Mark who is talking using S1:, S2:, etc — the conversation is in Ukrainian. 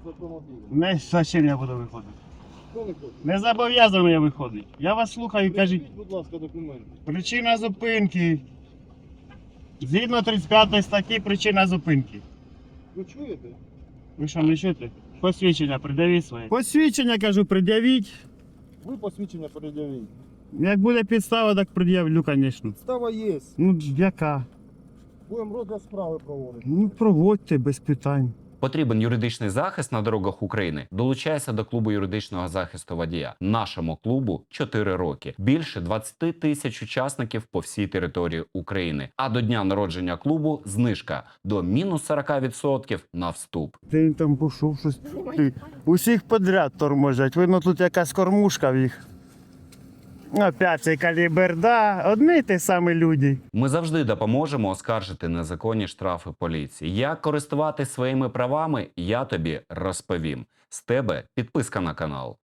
S1: з автомобіля.
S2: Не зачем я буду виходити.
S1: Хто не хоче?
S2: Не зобов'язаний я виходити. Я вас слухаю, кажіть.
S1: Придивіть, будь ласка, документи.
S2: Причина зупинки. Згідно 35 статті причина зупинки.
S1: Ви чуєте?
S2: Ви що, не чуєте? Посвідчення придавіть своє. Посвідчення, кажу, пред'явіть.
S1: Ви посвідчення пред'явіть.
S2: Як буде підстава, так пред'явлю, звісно.
S1: Става є.
S2: Ну, яка?
S1: Будемо розгляд справи проводити.
S2: Ну, проводьте без питань.
S3: Потрібен юридичний захист на дорогах України? Долучайся до клубу юридичного захисту водія. Нашому клубу 4 роки. Більше 20 тисяч учасників по всій території України. А до дня народження клубу знижка до мінус 40% на вступ.
S2: Ти там пішов щось. Усіх подряд торможать. Видно, тут якась кормушка в їх. Опять цей калібр, да. Одні й ті самі люди.
S3: Ми завжди допоможемо оскаржити незаконні штрафи поліції. Як користуватись своїми правами, я тобі розповім. З тебе підписка на канал.